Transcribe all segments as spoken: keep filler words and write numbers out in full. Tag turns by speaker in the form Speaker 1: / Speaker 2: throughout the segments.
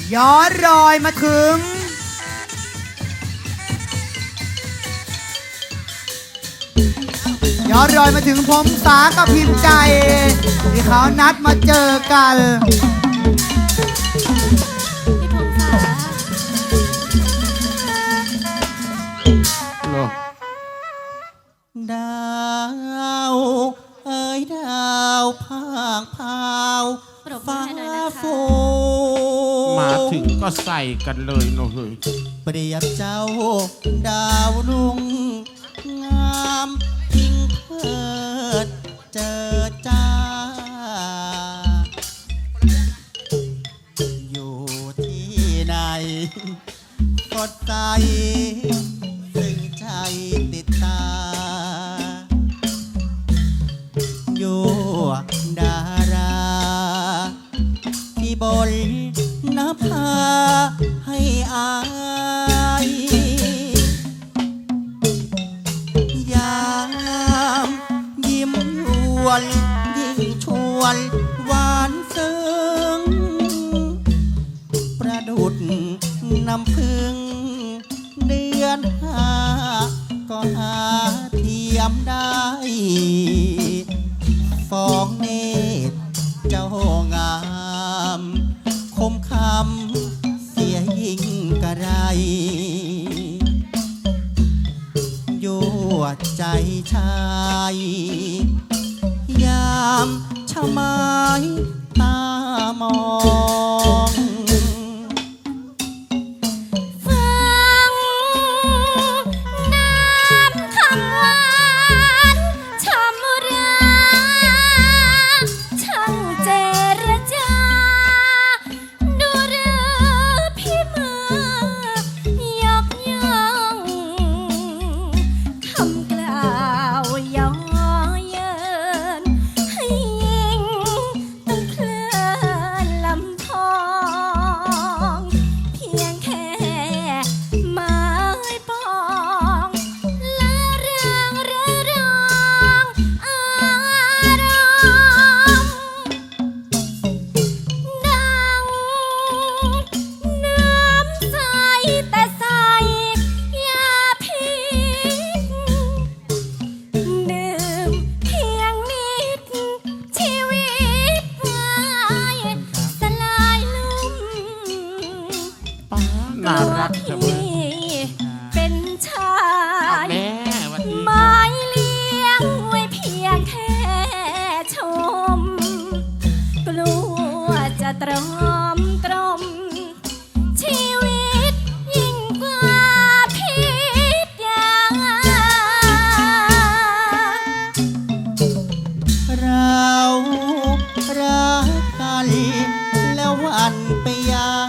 Speaker 1: ย้อนรอยมาถึงย้อนรอยมาถึงผมสากับพิมพ์ใจที่เขานัดมาเจอกัน
Speaker 2: พี่พงษา
Speaker 3: ดาวเอ้ยดาวพางพาวฟ้าฟู
Speaker 4: มาถึงก็ใส่กันเลยเนาะเฮ้ย
Speaker 3: เปรียบเจ้าดาวรุ่งงามยิ่งเพิดเจอจ้าอยู่ที่ไหนกดใจซึ่งใจติดตาอยู่ดาราที่บนนภาให้อายยามยิ้มยวนยิ่งชวนหวานซึ้งประดุดน้ำพึ่งเดือนห้าก็หาเทียมได้ฟองเนตรเจ้างามคมคำเสียยิ่งกระไรยั่วใจชายยามชะไม้ตามอง
Speaker 4: น่ารักจังเลย
Speaker 2: เป็นชายไม้เลี้ยงไว้เพียงแค่ชมกลัวจะตรอมตรมชีวิตยิ่งกว่าพิษยา
Speaker 3: เรารักกันแล้ววันไปย้าย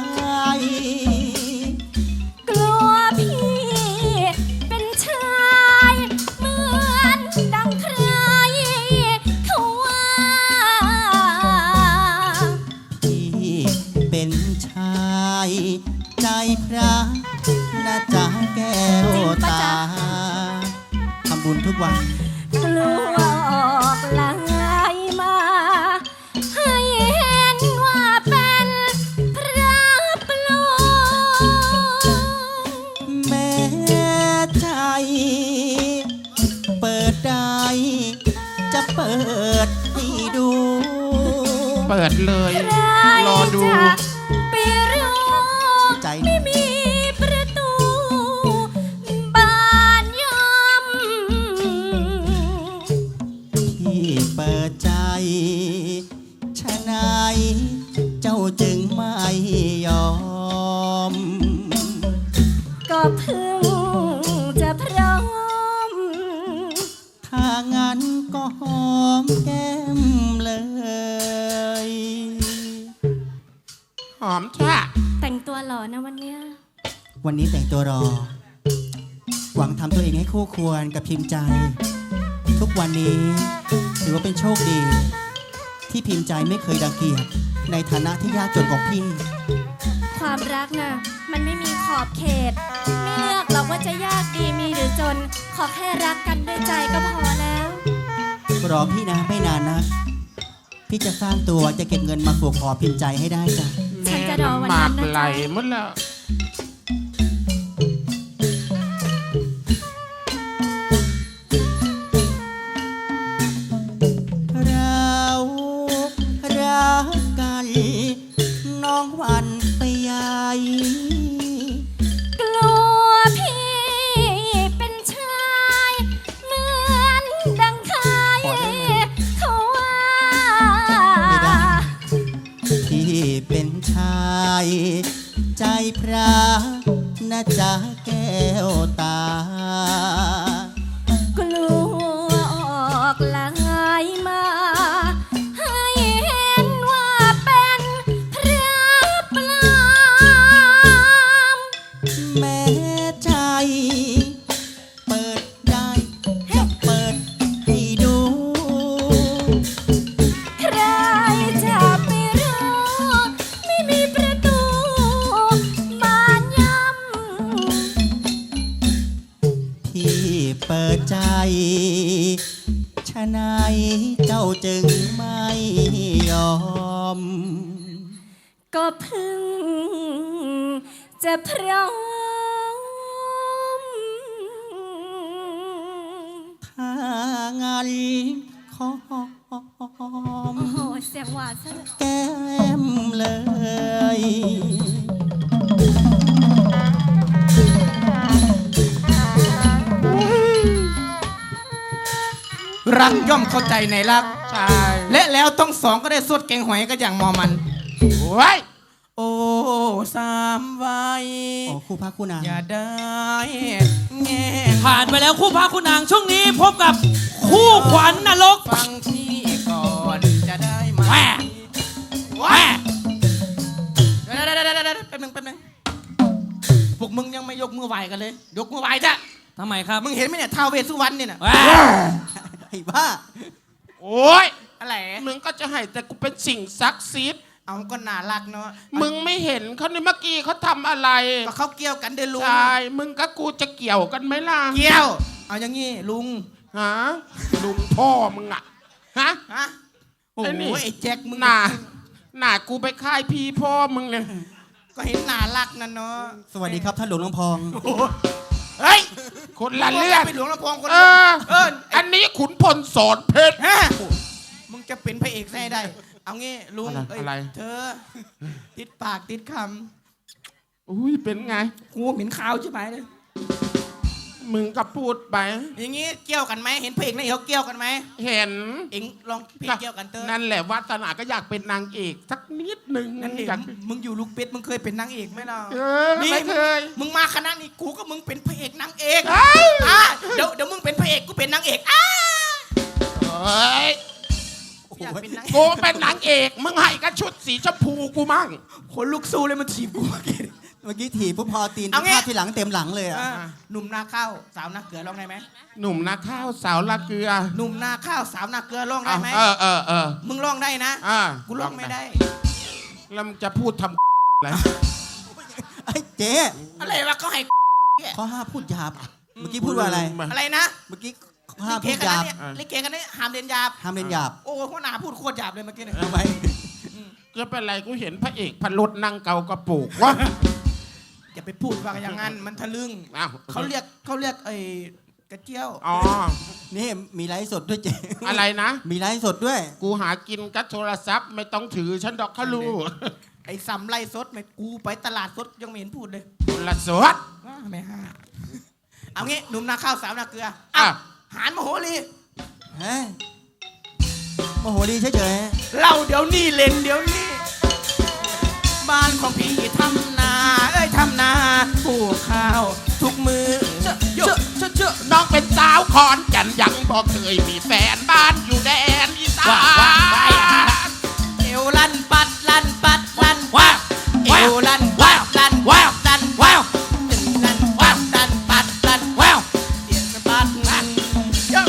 Speaker 3: ใจพระนะจ๊ะแก้วตาทำบุญทุกวัน
Speaker 2: กลัวออกลายมาให้เห็นว่าเป็นพระปลอม
Speaker 3: แม่ใจเปิดได้จะเปิดให้ดู
Speaker 4: เปิดเลยรอดู
Speaker 2: ไม่มีประตูบ้านยอม
Speaker 3: ที่เปิดใจชะไหนเจ้าจึงไม่ยอม
Speaker 2: ก็เพิ่งจะพร้อม
Speaker 3: ถ้างั้นก็หอมแก้มเลย
Speaker 4: หอมจ้ะ
Speaker 2: แต่งตัวหล่อนะวันเนี้ย
Speaker 3: วันนี้แต่งตัวรอหวังทำตัวเองให้คู่ควรกับพิมพ์ใจทุกวันนี้ถือว่าเป็นโชคดีที่พิมพ์ใจไม่เคยรังเกียจในฐานะที่ยากจนของพี่
Speaker 2: ความรักน่ะมันไม่มีขอบเขตไม่เลือกหรอกว่าจะยากดีมีหรือจนขอแค่รักกันด้วยใจก็พอแล้ว
Speaker 3: รอพี่นะไม่นานนะพี่จะสร้างตัวจะเก็บเงินมาปลูกขอพิมพ์ใจให้ได้จ้ะ
Speaker 2: ฉันจะจะรอวัน
Speaker 4: หมา
Speaker 2: นั้น
Speaker 4: ก
Speaker 2: นะ
Speaker 4: ไหล
Speaker 2: จ๊ะ
Speaker 4: หมดแล้ว
Speaker 3: เรารักกันน้องหวันไปใหญ่
Speaker 2: กลัวพี่เป็นชายเหมือนดังใครเขาว่า
Speaker 3: ไม่ได้ ที่เป็นชายใจพระนะจ๊ะแก้วตา
Speaker 2: กลัวออกลายมา ให้เห็นว่าเป็นพระปลอม
Speaker 3: แม้ใจ เปิดได้จะเปิดให้ดู
Speaker 2: ใครจะไปรู้ไม่มีประตูบานย่ำ
Speaker 3: ที่เปิดใจชะไหนเจ้าจึงไม่ยอม
Speaker 2: ก็เพึ่งจะพร้อม
Speaker 3: ถ้างั้นขอ
Speaker 2: โอ้โห เสียงหวานซะด้วย
Speaker 3: แก้มเลย
Speaker 1: รักย่อมเข้าใจในรัก
Speaker 4: ใช่
Speaker 1: และแล้วต้องสองก็ได้สวดเก่งหอยก็อย่างมอมัน
Speaker 4: ไว้
Speaker 1: โอ้สามวัย
Speaker 3: โอ้คู่พระคู่นาง
Speaker 1: อย่าได้แง่
Speaker 5: ผ่านไปแล้วคู่พระคู่นางช่วงนี้พบกับคู่ขวัญนรก
Speaker 1: ฟังที่ก่อนจะได้ไหม
Speaker 5: แหว่แหว่
Speaker 1: เดี๋ยวเดี๋ยวเดี๋ยวเดี๋ยวแป๊บนึงแป๊บนึงพวกมึงยังไม่ยกมือไหวกันเลย ยกมือไหวจ้ะ
Speaker 5: ทำไมครับ
Speaker 1: มึงเห็นไหมเนี่ยท้าวเวสสุวรรณเนี่ยน่ะ
Speaker 5: แหว่
Speaker 3: ไอ้บ้า
Speaker 4: โอ้ย
Speaker 1: อะไร
Speaker 4: มึงก็จะให้แต่กูเป็นสิ่งศักดิ์สิทธิ์
Speaker 1: เอาก็น่ารักเนาะ
Speaker 4: มึงไม่เห็นเขาในเมื่อกี้เขาทำอะไร
Speaker 1: ก็เขาเกี่ยวกันเด้อลุง
Speaker 4: ใช่มึงกับกูจะเกี่ยวกันไหมล่ะ
Speaker 1: เกี่ยว เอาอย่างงี้ลุง
Speaker 4: ฮะลุงพ่อมึงอะฮะ
Speaker 1: ฮะโอ้
Speaker 4: ไอ้
Speaker 1: โห
Speaker 4: นี่
Speaker 1: ไอ้แจ็คมึง
Speaker 4: หน้าหน้ากูไปค่ายพี่พ่อมึงเลย
Speaker 1: ก็เห็นน่ารักนั่นเนาะ
Speaker 3: สวัสดีครับท่านหลวงลำพอง
Speaker 1: เฮ้ย
Speaker 4: คนละเรื่อง
Speaker 1: ไปหลวงลำพองคน
Speaker 4: เอ
Speaker 1: เดียว
Speaker 4: อ
Speaker 1: เออ
Speaker 4: อันนี้ขุนพลสอนเพชร
Speaker 1: ฮะมึงจะเป็นพระเอกได้ได้ เอางี้ลุง
Speaker 4: อะไร
Speaker 1: เอ้ย
Speaker 4: อะไร
Speaker 1: เธอ ติดปากติดค
Speaker 4: อุ้ยเป็นไง
Speaker 1: ำกูเหม็นข้าวใช่ไหมเลย
Speaker 4: มึงก็พูดไป
Speaker 1: อย่างงี้เกี่ยวกันไหมเห็นพระเอกในเขาเกี่ยวกันไหม
Speaker 4: เห็น
Speaker 1: เอ็งลองเพลงเกี่ยวกันเตอร์
Speaker 4: นั่นแหละวัฒนาก็อยากเป็นนางเอกสักนิดหนึ่ง
Speaker 1: นั่นเอง
Speaker 4: อยาก
Speaker 1: มึงอยู่ลูกเป็ดมึงเคยเป็นนางเอกไหมล่ะ
Speaker 4: เออไม่เคย
Speaker 1: มึงมาคณะนี้กูก็มึงเป็นพระเอกนางเอก
Speaker 4: เอ้ย
Speaker 1: อ่ะเดี๋ยวเดี๋ยวมึงเป็นพระเอกกูเป็นนางเอกอ้า
Speaker 4: เฮ้ย
Speaker 1: อยากเป็นนาง
Speaker 4: กูเป็นนางเอกมึงให้กันชุดสีชมพูกูมั่ง
Speaker 1: คนลูกสู้เลยมันถีบกูเมื่อกี้
Speaker 3: เมื่อกี้ถีบปุ๊บพอตีน
Speaker 1: เอาไง
Speaker 3: ภาพที่หลังเต็มหลังเลยอ่ะ
Speaker 1: อ่ะหนุ่มนาข้าวสาวนาเกลือร้องได้ไหม
Speaker 4: หนุ่มนาข้าวสาวละเกลือ
Speaker 1: หนุ่มนาข้าวสาวนาเกลือร้องได้ไหม
Speaker 4: เออเออเออ
Speaker 1: มึงร้องได้นะ
Speaker 4: อ่า
Speaker 1: กูร้องไม่ได้
Speaker 4: แล้วมึงจะพูดทำอะไร
Speaker 3: ไอ้เจ๊
Speaker 1: อะไรวะเขาให้
Speaker 3: ข้อห้าพูดหยาบ เมื่อกี้พูดว่าอะไร
Speaker 1: อะไรนะ
Speaker 3: เมื่อกี้ข้อห้า
Speaker 1: ลิเก
Speaker 3: พูด
Speaker 1: กัน
Speaker 3: หยา
Speaker 1: นะ
Speaker 3: บ
Speaker 1: เนี่ยลิเกกันเนี่ยห้ามเรียนหยาบ
Speaker 3: ห้ามเล่นหยาบ
Speaker 1: โอ้หัวหน้าพูดโคตรหยาบเลยเมื่อกี้เนี่ย
Speaker 3: ทำไม
Speaker 4: จะเป็นไรกูเห็นพระเอกพันรถนั่งเกากระปุกวะ
Speaker 1: อย่าไปพูดว่าอย่างนั้นมันทะลึ่ง
Speaker 4: อ้าว
Speaker 1: เขาเรียกเขาเรียกไอ้กระเจียว
Speaker 4: อ๋อ
Speaker 3: นี่มีไลฟ์สดด้วยเจ๊
Speaker 4: อะไรนะ
Speaker 3: มีไลฟ์สดด้วย
Speaker 4: กูหากินกับโทรศัพท์ไม่ต้องถือฉันดอกเขารู้
Speaker 1: ไอ้ซ้ำไรสดไม่กูไปตลาดสดยังไม่เห็นพูดเลย
Speaker 4: คนละสด
Speaker 1: ว้าไม่ห้าเอางี้หนุ่มนาข้าวสาวนาเกลือ
Speaker 4: อ่ะ
Speaker 1: อ่ะหานมโหรี
Speaker 3: เฮ้ยโมโหดีเฉย
Speaker 1: เล่าเดี๋ยวนี้เล่นเดี๋ยวนี้ บ้านของพี่ทำนาเอ้ยทำนาปลูกข้าวทุกมือเชอะเชอะเชอะเชอะ
Speaker 4: น้องเป็นสาวขอนแก่นยังบอกเคยมีแฟนบ้านอยู่แดนอีสาน
Speaker 1: เอวลั่นปัดลั่นปัดลั่น
Speaker 5: ว้าว
Speaker 1: เอวลั่นปัดลั่น
Speaker 5: ว้าว
Speaker 1: ลั่น
Speaker 5: ว้าว
Speaker 1: ลั่นปัดลั่นปัดลั่น
Speaker 5: ว้าว
Speaker 1: เสียงปัดลั่นเยอะ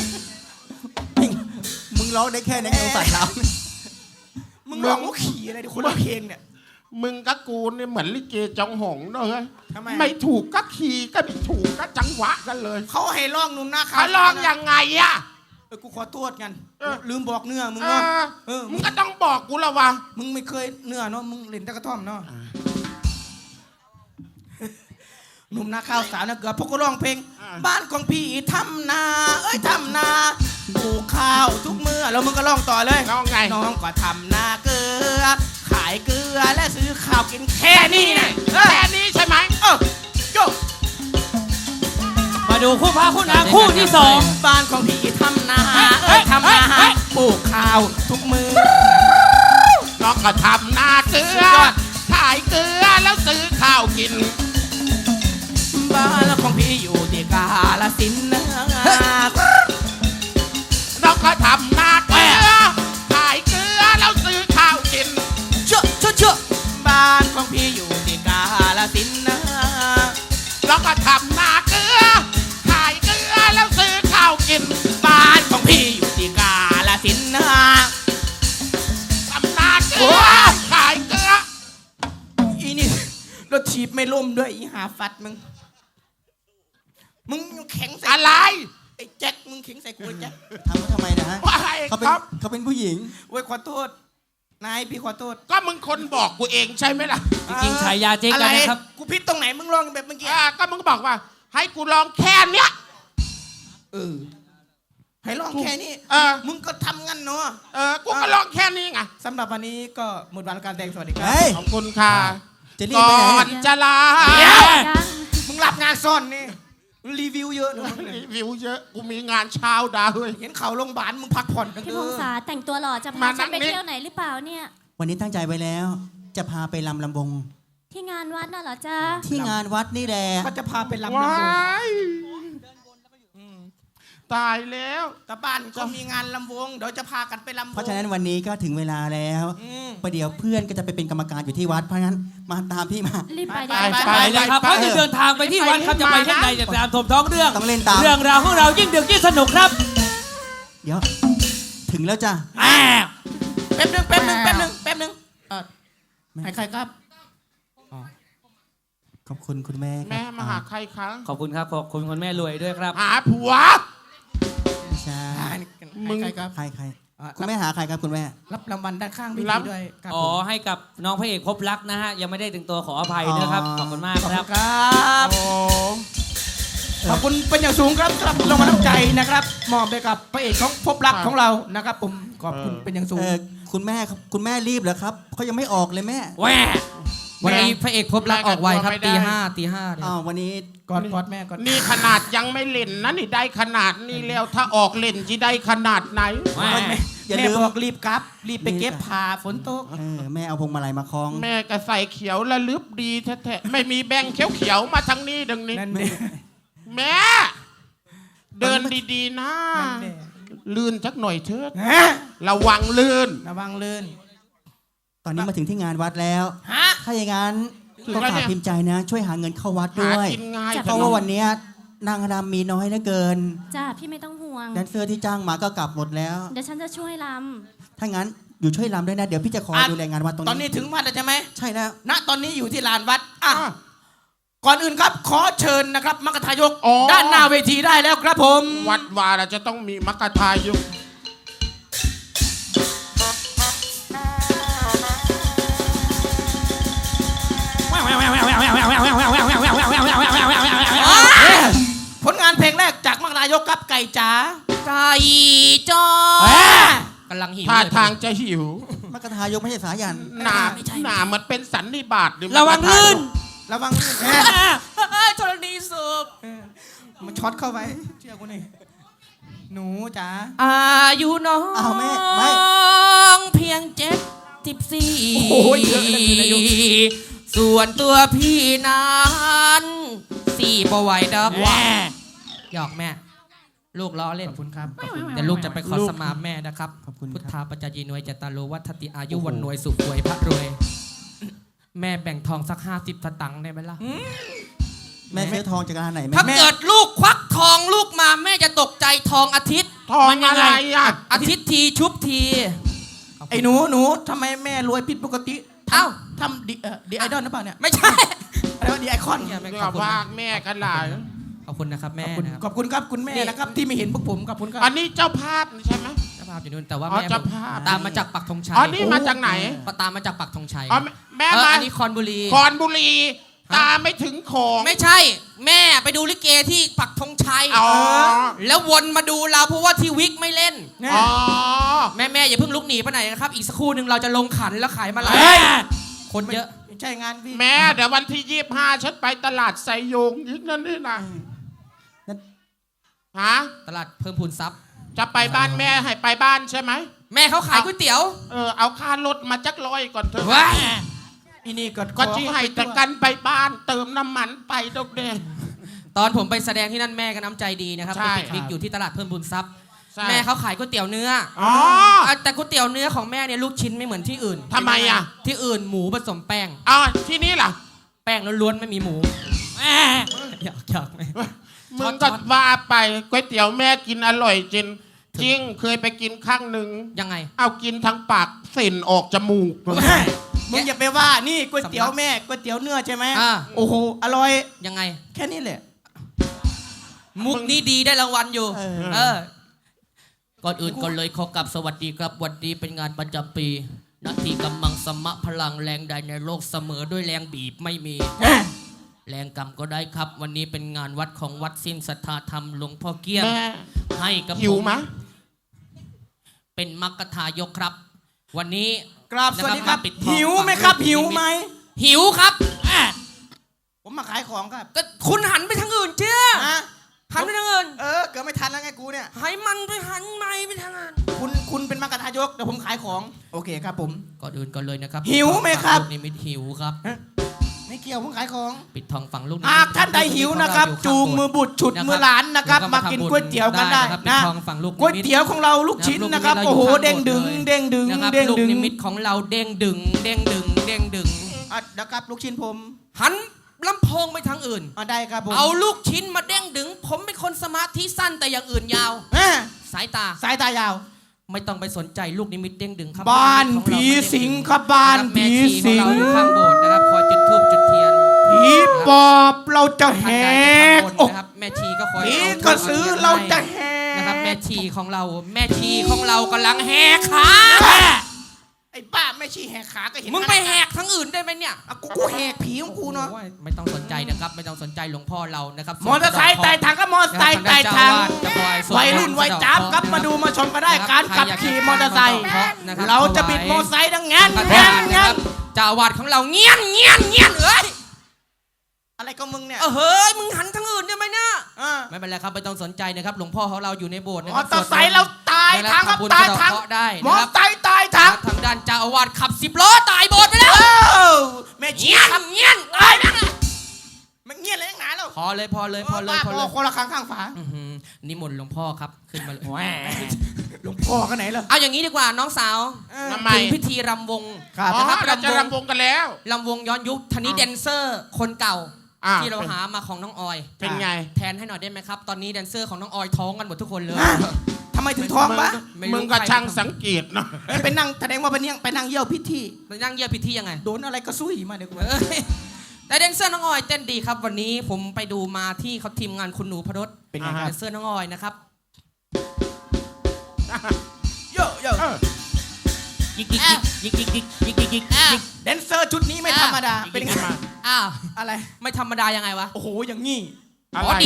Speaker 3: ๆมึงร้องได้แค่ในเอวสั่นแล้ว
Speaker 1: มึงร้องว่าขี่อะไรดิคนละเพลงเนี่ย
Speaker 4: มึงกับกูเนี่ยเหมือนลิเกจองหงเนอะเฮ้ย
Speaker 1: ทำไม
Speaker 4: ไม่ถูกก็ขี่ก็ไม่ถูกก็จังหวะกันเลย
Speaker 1: เขาให้ร้องหนุ่มหน้าขา
Speaker 4: เขา
Speaker 1: ว
Speaker 4: ลองยังไงอะ
Speaker 1: เออกูขอโทษกัน
Speaker 4: เออ
Speaker 1: ลืมบอกเนื้อมึง
Speaker 4: เอ
Speaker 1: เนาะ
Speaker 4: อ
Speaker 1: เออ
Speaker 4: มึงก็ต้องบอกกูละวะ
Speaker 1: มึงไม่เคยเนื้อเนาะมึงเล่นแตะกระท่อมเนาะหนุ่มนาข้าวสาวนะเกือบพวกกูร้องเพลง บ้านของพี่ทำนาเอ้ยทำนาปลูกข้าวทุกเมื่อแล้วมึงก็ร้องต่อเลย
Speaker 4: ร้องไง
Speaker 1: น้องก็ทำนาเกลือ ขายเกลือและซื้อข้าวกินแค่นี้นะเออ
Speaker 4: แค่นี้ใช่ไหม
Speaker 1: เออโย
Speaker 5: มาดูคู่พระคู่นางคู่ที่สอง
Speaker 1: บ้านของพี่ทำนาเอ้ยทำนาปลูกข้าวทุกมือ
Speaker 4: น้องก็ทำนาเกลือ ขายเกลือแล้วซื้อข้าวกิน
Speaker 1: บ้านของพี่อยู่ที่กาฬสินธุ์นะ
Speaker 4: น้องก็ทำนาเกลือ ขายเกลือแล้วซื้อข้าวกิน
Speaker 1: เชื่อเชื่อเชื่อบ้านของพี่อยู่ที่กาฬสินธุ์นะ
Speaker 4: น้องก็ทำนาเกลือ ขายเกลือแล้วซื้อข้าวกิน
Speaker 1: บ้านของพี่อยู่ที่กาฬสินธุ์นะ
Speaker 4: ทำนาเกลือ ขายเกลือ
Speaker 1: อีนี่รถถีบไม่ล่มด้วยอีหาฟัดมึงมึงแข็งใส่
Speaker 4: อะไร
Speaker 1: ไอ้แจ็คมึงแข็งใส่กูไอ้แจ็ค
Speaker 3: ทำเขาทำไมนะฮะ
Speaker 4: ว่าไง
Speaker 3: เขาเป็น
Speaker 4: ครับ
Speaker 3: เขาเป็นผู้หญิง
Speaker 1: เว้ยขอโทษนายพี่ขอโทษ
Speaker 4: ก็มึงคนบอกกูเองใช่ไหมล่ะ
Speaker 5: จริงๆฉายาเจ๊กันนะครับ
Speaker 1: อไกูพิดตรงไหนมึงร้องแบบเมื่อกี้
Speaker 4: อ่าก็มึงบอกว่า ให้กูลองแค่เนี้ย
Speaker 1: เออให้ร้องแค่นี้
Speaker 4: เออ
Speaker 1: มึงก็ทำงั้นเนาะ
Speaker 4: เออ กูก็ลองแค่นี้ไง
Speaker 1: สำหรับวันนี้ก็หมดวันการแต่งสวัสดีครั
Speaker 3: เฮ้ย
Speaker 4: ขอบคุณค่ะ
Speaker 3: จะรีบ
Speaker 4: ก่
Speaker 3: ไปไหน
Speaker 4: อน
Speaker 3: เนี่ย
Speaker 4: จะลา
Speaker 1: เดี๋ยว
Speaker 2: ยัง
Speaker 1: มึงรับงานซ่อนนี่รีวิวเยอะนะ
Speaker 4: รีวิวเยอะ กูมีงานเช้าดาวเลย
Speaker 1: เห็นเขาโรงพยาบาลมึงพักผ่อนกัน
Speaker 2: พี่
Speaker 1: เถ
Speaker 2: พง
Speaker 1: อะ
Speaker 2: ษาแต่งตัวหล่อจะพา
Speaker 4: มา
Speaker 2: ฉันไป
Speaker 4: นั่งนี่
Speaker 2: เที่ยวไหนหรือเปล่าเนี่ย
Speaker 3: วันนี้ตั้งใจไว้แล้ว จะพาไปลำลำวง
Speaker 2: ที่งานวัดน่ะเหรอจ๊ะ
Speaker 3: ที่งานวัดนี่แหละ
Speaker 1: ก็จะพาไปลำ
Speaker 4: ว้า
Speaker 1: น้ำวง
Speaker 4: ยตายแล้ว
Speaker 1: แต่บ้านก็มีงานลำวงเดี๋ยวจะพากันไปลำวง
Speaker 3: เพราะฉะนั้นวันนี้ก็ถึงเวลาแล้ว
Speaker 1: อืม
Speaker 3: ประเดี๋ยวเพื่อนก็จะไปเป็นกรรมการอยู่ที่วัดเพราะฉะนั้นมาตามพี่มา
Speaker 2: รีบไป
Speaker 1: ไป
Speaker 2: เดี๋ยว
Speaker 1: ไป
Speaker 2: จะ
Speaker 5: ไปเลยครับเขาจะเดินทางไปที่วัดครับจะไปที่ไหนจะตามชมท้องเรื่อง
Speaker 3: ต้องเล่นตาม
Speaker 5: เรื่องราวของเรายิ่งดึกยิ่งสนุกครับ
Speaker 3: เดี๋ยว ถึงแล้วจ้ะ
Speaker 5: แอบ
Speaker 1: แป๊บนึงแป๊บนึงแป๊บนึงแป๊บนึงเออให้ใครครับ
Speaker 3: ขอบคุณคุณแม่ครับ
Speaker 4: แม่มาหาใครคะ
Speaker 5: ขอบคุณครับขอบคุณคุณแม่รวยด้วยครับ
Speaker 4: หาผัว
Speaker 3: ไม่ใช่
Speaker 1: มึงใครครับ
Speaker 3: ใครใคร
Speaker 1: อ่ะ
Speaker 3: คุณแม่หาใครครับคุณแม่
Speaker 1: รับรางวัลด้านข้างพี่
Speaker 4: รับ
Speaker 1: ด้วยครับ
Speaker 5: อ๋อ
Speaker 1: ผม
Speaker 5: ให้กับน้องพระเอกพบรักนะฮะ ยังไม่ได้ถึงตัวขออภัยนะครับ
Speaker 3: อ๋อ
Speaker 5: ขอบคุณมาก
Speaker 1: ขอบ
Speaker 5: ค
Speaker 1: คุ
Speaker 5: รับ
Speaker 1: ณครับ
Speaker 4: โอ้
Speaker 1: ขอบคุณเป็นอย่างสูงครับสำหรับรางวัลน้ำใจนะครับมอบไปกับพระเอกของพบรักของเรานะครับ ผมขอบคุณเป็นอย่างสูง
Speaker 3: เออคุณแม่ครับคุณแม่รีบเหรอครับเขายังไม่ออกเลยแม่
Speaker 5: แหว
Speaker 6: วันนี้พระเอกพบรักออกไวครับตีห้าตีห้าเนี่ย
Speaker 3: อ้าววันนี้
Speaker 1: กอดกอดแม่กอด
Speaker 4: นี่ขนาดยังไม่เล่นนะนี่ได้ขนาดนี้แล้วถ้าออกเล่นจะได้ขนาดไหน
Speaker 5: แหว
Speaker 1: แม่
Speaker 3: อย่า
Speaker 1: แม่
Speaker 3: ลืม
Speaker 1: บอกรีบกลับ รีบไปเก็บผ้าฝนตก
Speaker 3: เออแม่เอาพวงมาลัยมาคล้อง
Speaker 4: แม่ก็ใส่เขียวระลึบดีแท้ๆไม่มีแบงค์เขียวๆมาทางนี้ดังนี้
Speaker 1: นั่นเด้
Speaker 4: แม่ เดินดีๆนะ
Speaker 1: นั่นเด้
Speaker 4: ลื่นสักหน่อยเถิด
Speaker 1: ฮะ
Speaker 4: ระวังลื่น
Speaker 1: ระวังลื่น
Speaker 3: ตอนนี้มาถึงที่งานวัดแล้ว
Speaker 1: ฮะ
Speaker 3: ถ้าอย่างนั้น
Speaker 4: ถึง
Speaker 3: ก็
Speaker 4: แล้ว
Speaker 3: ฝาก
Speaker 4: เนี่ย
Speaker 3: พิมพ์ใจนะ ช่วยหาเงินเข้าวัด
Speaker 4: หา
Speaker 3: ด้วย
Speaker 4: กินง่าย
Speaker 3: เพราะว่าวันเนี้ยนางรำมีน้อยเหลือเกิน
Speaker 2: จ้าพี่ไม่ต้องห่วง
Speaker 3: แดนเซอร์ที่จ้างมาก็กลับหมดแล้ว
Speaker 2: เดี๋ยวฉันจะช่วยล
Speaker 3: ถ้างั้นอยู่ช่วยรำด้วยนะ เดี๋ยวพี่จะคอย
Speaker 1: อ่ะ
Speaker 3: ดูแลงานวัดตรง
Speaker 1: ตอนนี้
Speaker 3: นี้
Speaker 1: ถึงวัดแล้วใช่ไหม
Speaker 3: ใช่แล้ว
Speaker 1: ณตอนนี้อยู่ที่ลานวัดอ่ะ
Speaker 4: อ่ะ
Speaker 1: ก่อนอื่นครับ ขอเชิญนะครับมรรคทายก
Speaker 4: อ๋อ
Speaker 1: ด้านหน้าเวทีได้แล้วครับผม
Speaker 4: วัดวาเราจะต้องมีมักกะทายุก
Speaker 1: ผลงานเพลงแรกจากมรรคนายกครับไก่จ๋า
Speaker 6: ไก่จ้อ
Speaker 1: แหม
Speaker 6: กำลังหิว
Speaker 4: ท่า
Speaker 6: เลย
Speaker 4: ทางจะหิว
Speaker 3: มักกะทายกไม่ใช่สายัน
Speaker 4: หนาหนาเหมือนเป็นสันนิบาตหรือ
Speaker 5: ระวังลื่น
Speaker 1: ระวังลื่นแหม
Speaker 6: เอ้ยธรณีสูบ
Speaker 1: มันช็อตเข้าไปเชื่อกูนี่หนูจ๋า
Speaker 6: อายุน้อง
Speaker 3: อ้าวแม่ไม่
Speaker 6: เพียงเจ็ดสิบสี่
Speaker 1: โอ้ยเยอะเลยอายุ
Speaker 6: ส่วนตัวพี่นั้นสี่ปไหวดอก
Speaker 5: แหว
Speaker 6: หยอกแม่ ลูกล้อเล่น
Speaker 1: ขอบคุณครับขอบคุณ
Speaker 6: เดี๋ยวลูกจะไปขอสมาแม่นะครับ
Speaker 3: ขอบคุณ
Speaker 6: พุท
Speaker 3: ค
Speaker 6: ธา
Speaker 3: รับ
Speaker 6: ปัจจยีนวยจตารโลวัฒติอายุวันนวยสุขวยพระรวย แม่แบ่งทองสักห้าสิบสตังค์ได้ไหมล่ะ
Speaker 3: แม่ซื้อทองจากร้านไหนแม่
Speaker 6: ถ้าเกิดลูกควักทองลูกมาแม่จะตกใจทองอาทิตย์
Speaker 4: ทอง
Speaker 6: มันยั
Speaker 4: อะ
Speaker 6: ง
Speaker 4: ไร
Speaker 6: ไง
Speaker 4: อ่ะ
Speaker 6: อาทิตย์ทีชุบที
Speaker 1: ไอ้หนูหนูทำไมแม่รวยผิดปกติ
Speaker 6: เอ้า
Speaker 1: ทำดีเอ่อดีไอดอลหรือเปล่าเนี่ย
Speaker 6: ไม่ใช่
Speaker 1: อะไรวะดีไอคอน
Speaker 6: เนี่ยแม่
Speaker 4: เดี๋
Speaker 6: ข
Speaker 4: ย
Speaker 6: อบ
Speaker 4: ว
Speaker 6: คุณ
Speaker 4: ว่า
Speaker 6: นะ
Speaker 4: แม่กันหลาย
Speaker 6: ขอบคุณนะครับแม่
Speaker 1: ขอบคุณ
Speaker 6: นะครับ
Speaker 1: ขอบคุณครับคุณแม่นะครับที่ไม่เห็นพวกผมขอบคุณครับ
Speaker 4: อันนี้เจ้าภาพใช่ไหม
Speaker 6: เจ้าภาพอยู่นู่นแต่ว่า
Speaker 4: อ๋อ
Speaker 6: แม่
Speaker 4: เจ้า
Speaker 6: ผม
Speaker 4: ภาพ
Speaker 6: ตามมาจากปักธงชัย
Speaker 4: อ๋อนี่มาจากไหน
Speaker 6: ตามมาจากปักธงชัย
Speaker 4: อ๋อแม่
Speaker 6: เออ
Speaker 4: มา
Speaker 6: อันนี้คอนบุรี
Speaker 4: คอนบุรี ตาไม่ถึงของ
Speaker 6: ไม่ใช่แม่ไปดูลิเกที่ปักธงชัย
Speaker 4: อ๋อ
Speaker 6: แล้ววนมาดูเราเพราะว่าที่วิกไม่เล่น
Speaker 1: เนี่ย
Speaker 4: อ๋อ
Speaker 6: แม่แม่อย่าเพิ่งลุกหนีไปไหนนะครับ อีกสักครู่หนึ่งเราจะลงขันแล้วขายมาลา
Speaker 1: เฮ้ย
Speaker 6: คนเยอะ
Speaker 1: ไม่ใช่งานพี่
Speaker 4: แม่เดี๋ยววันที่ยี่สิบห้าฉันไปตลาดไซโยงยิกนั่นนี่นะฮะ
Speaker 6: ตลาดเพิ่มพูนทรัพย์
Speaker 4: จะไปบ้านแม่ให้ไปบ้านใช่ไหม
Speaker 6: แม่เขาขายก๋วยเตี๋ยว
Speaker 4: เออเอาค่ารถมาจักร้อยก่อนเถอะ
Speaker 6: ว้าย
Speaker 1: อีนี่ก็
Speaker 4: ก็ที่ให้แต่กันไปบ้านเติมน้ำมันไปดอกเดง
Speaker 6: ตอนผมไปแสดงที่นั่นแม่ก็น้ำใจดีนะครับ
Speaker 4: ใช่
Speaker 6: ไปปิกนิกอยู่ที่ตลาดเพิ่มพูนทรัพย์
Speaker 4: ใช่
Speaker 6: แม่เขาขายก๋วยเตี๋ยวเนื้อ
Speaker 4: อ๋อ
Speaker 6: อ่ะแต่ก๋วยเตี๋ยวเนื้อของแม่เนี่ยลูกชิ้นไม่เหมือนที่อื่น
Speaker 4: ทำไมอ่ะ
Speaker 6: ที่อื่นหมูผสมแป้ง
Speaker 4: อ๋อที่นี่ล่ะ
Speaker 6: แป้งล้วนๆไม่มีหมูอยากอยากไหม
Speaker 4: มึงก็ว่าไปก๋วยเตี๋ยวแม่กินอร่อยจริงจริงเคยไปกินครั้งหนึ่ง
Speaker 6: ยังไง
Speaker 4: เอากินทั้งปากเส้นออกจมูก
Speaker 1: มึงอย่าไปว่านี่ก๋วยเตี๋ยวแม่ก๋วยเตี๋ยวเนื้อใช่ไหม
Speaker 6: อ่า
Speaker 1: โอ้โหอร่อย
Speaker 6: ยังไง
Speaker 1: แค่นี้แหละ
Speaker 6: มุกนี้ดีได้รางวัลอยู่
Speaker 1: เออ
Speaker 6: เออ ก่อนอื่นก่อนเลยขอกลับสวัสดีครับวันนี้เป็นงานประจำปีนาทีกำมังสมะพลังแรงใดในโลกเสมอด้วยแรงบีบไม่มี แรงกรรมก็ได้ครับ วันนี้เป็นงานวัดของวัดสิ้นศรัทธาธรรมหลวงพ่อเกี้ยง
Speaker 4: แม่
Speaker 6: ให้กับ
Speaker 4: หิว
Speaker 6: ผม
Speaker 4: มะ
Speaker 6: เป็นมักกะทายกครับ วันนี้
Speaker 1: กราบสวัสดีครับ
Speaker 6: นะมาปิดทอง
Speaker 1: หิวไหมครับ
Speaker 6: ฝั่ง
Speaker 1: หิวไหม
Speaker 6: หิวครับ
Speaker 1: ผมมาขายของครับ
Speaker 6: ก็คุณหันไปทางอื่นเชื่อ
Speaker 1: ฮะ
Speaker 6: หันไปทางอื่น
Speaker 1: เออเกิดไม่ทันแล้วไงกูเนี่ย
Speaker 6: ให้มันไปหันไม่ไปทางอื่น
Speaker 1: คุณคุณเป็นมากระทายกเดี๋ยวผมขายของโอเคครับผม
Speaker 6: ก่อนอื่นก่อนเลยนะครับ
Speaker 1: หิวไหมครับ
Speaker 6: ลูกนิมิตหิวครับ
Speaker 1: ไม่เกี่ยวผมขายของ
Speaker 6: ปิดทองฝั่งลูกนิมิต
Speaker 1: หากท่านใดหิวนะครับ จูงมือบุตรฉุดมือหลานนะครับ มากินก๋วยเตี๋ยวกันได้
Speaker 6: นะครับ
Speaker 1: นะ
Speaker 6: ปิดทองฝั่งลูกนิมิต
Speaker 1: ก๋วยเตี๋ยวของเราลูกชิ้นนะครับ
Speaker 6: ลูกนิมิต
Speaker 1: โอ้โห
Speaker 6: เราอยู่
Speaker 1: เด้งดึง
Speaker 6: ข้างบนเลย
Speaker 1: เด้งดึง
Speaker 6: นะครับ
Speaker 1: เด้ง
Speaker 6: ลูก
Speaker 1: ดึง
Speaker 6: นิมิตของเราเด้งดึง เด้งดึง เด้งดึง
Speaker 1: อ่ะนะครับลูกชิ้นผม
Speaker 6: หันลำโพงไปทางอื่น
Speaker 1: อ่ะได้ครับผม
Speaker 6: เอาลูกชิ้นมาเด้งดึง ผมเป็นคนสมาธิสั้นแต่อย่างอื่นยาว
Speaker 1: แม่
Speaker 6: สายตา
Speaker 1: สายตายาว
Speaker 6: ไม่ต้องไปสนใจลูกนิมิตเด้งดึงครับ
Speaker 1: บ้าน
Speaker 6: ของเร
Speaker 1: ผีสิง
Speaker 6: ไม่เด้ดึ
Speaker 1: ครับบ้าน
Speaker 6: นะครับแม่
Speaker 1: ผี
Speaker 6: ชีของ
Speaker 1: สิง
Speaker 6: เราอยู่ข้างโบสถ์นะครับคอยจุดธูปจุดเทียน
Speaker 1: ผีปอบเราจะแห
Speaker 6: ท่านใดจะ
Speaker 1: ก
Speaker 6: ทำบุญ
Speaker 1: อก
Speaker 6: นะครับแม่ชีก็คอย
Speaker 1: ผี
Speaker 6: เอาธูป
Speaker 1: กระสือเราจะแห
Speaker 6: นะครับแม่
Speaker 1: ก
Speaker 6: ชีของเรา แม่ชีของเรากำลังแหกขา
Speaker 1: ไอ้บ้าไม่ชี้แหกขาก็เห็น
Speaker 6: มึงไปแหกทั้งอื่นได้ไหมเนี่ย
Speaker 1: อ่ะกูกูแหกผีของกูเนาะ
Speaker 6: โอ้ยไม่ต้องสนใจนะครับ ไม่ต้องสนใจหลวงพ่อเรานะครับ
Speaker 1: มอเตอร์ไซค์ไต่ทางก็มอเตอร์ไซค์ไต่ทางวัยรุ่นวัยจ้าบครับมาดูมาชมกันได้การขับขี่มอเตอร์ไซค์เราจะบิดมอเตอร์ไซค์ดังงั้น
Speaker 6: งั้
Speaker 1: งั้น
Speaker 6: น
Speaker 1: งั้น
Speaker 6: เจ้าอาวาดของเราเงี้ยนเงี้ยนเงี้ยนเอ้ย
Speaker 1: อะไรก็มึงเนี่ย
Speaker 6: เออเฮ้ยมึงหันทั้งอื่นได้ไหมเนี่ย
Speaker 1: เออ
Speaker 6: ไม่เป็นไรครับไม่ต้องสนใจนะครับหลวงพ่อของเราอยู่ในโบสถ์นะ
Speaker 1: ม
Speaker 6: ค
Speaker 1: อ
Speaker 6: รับ
Speaker 1: เตอร์ไซค์เราตาย
Speaker 6: ได้
Speaker 1: ทาง
Speaker 6: ค
Speaker 1: ค
Speaker 6: รั
Speaker 1: รั
Speaker 6: บบ บุญ
Speaker 1: ตาย
Speaker 6: สะ
Speaker 1: ทาง
Speaker 6: เดาะได้
Speaker 1: มอ
Speaker 6: นะ
Speaker 1: เต
Speaker 6: ค
Speaker 1: อ
Speaker 6: รับ
Speaker 1: ร์ไซค์ตายทาง
Speaker 6: ทางด้านเจ้าอาวาสขับสิบล้อตายโบสถ์ไปแล้ว
Speaker 1: เอ้าแม่ชี้
Speaker 6: เงี้ย
Speaker 1: ครับ
Speaker 6: นเงี้ยนตายนั่นแหละ
Speaker 1: มันเงียบเลยนักหนาแล้ว
Speaker 6: พอเลยพอเลยพอเลยพอ
Speaker 1: พ
Speaker 6: เล
Speaker 1: อย คนละครั้งข้างฝา
Speaker 6: อื้อหือนิมนต์หลวงพ่อครับขึ้นมาเลย
Speaker 1: แหมหลวงพ่อกันไหนล่ะ
Speaker 6: เอาอย่างนี้ดีกว่าน้องสาว
Speaker 1: เออ
Speaker 4: ทำไม
Speaker 6: ถึงพิธีรำวง
Speaker 1: ครับ
Speaker 4: อ๋อ
Speaker 6: นะครับ
Speaker 4: เราจะ
Speaker 6: รำวง
Speaker 4: รำวงกันแล้ว
Speaker 6: รำวงย้อนยุคทีนี้แดนเซอร์คนเก่า
Speaker 4: อ่ะ
Speaker 6: ที่เราหามาของน้องออย
Speaker 4: เป็นไง
Speaker 6: แทนให้หน่อยได้ไหมครับ ตอนนี้แดนเซอร์ของน้องออยท้องกันหมดทุกคนเลย
Speaker 1: ทำไมถึงท้องวะ
Speaker 6: ไม่รู้
Speaker 4: มึงก็
Speaker 6: ใคร
Speaker 4: ช่างสังเกตเนาะ
Speaker 1: เอ้ยไปนั่งแสดงว่าไปนั่งไปนั่งเยี่ยวพิธี
Speaker 6: ไปนั่งเยี่ยมพิธียังไง
Speaker 1: โดนอะไรก็ซุยมาเดี๋ยวกู
Speaker 6: เอ้ยแต่แดนเซอร์น้องออยเต้นดีครับ วันนี้ผมไปดูมาที่เขาทีมงานคุณหนูพรส
Speaker 1: เป็นไงค
Speaker 6: แด
Speaker 1: รับ
Speaker 6: นเซอร์น้องออยนะครับ
Speaker 1: โยโย่
Speaker 4: เออ
Speaker 6: ยิกยิกยิกยิกยิกยิกยิกยิกยิก
Speaker 1: แดนเซอร์ชุดนี้ไม่ธรรมดาเป็นไง
Speaker 6: อ้าว
Speaker 1: อะไร
Speaker 6: ไม่ธรรมดายังไงวะ
Speaker 1: โอ้โหอย่างงี้
Speaker 4: อะไร
Speaker 6: อ๋อดี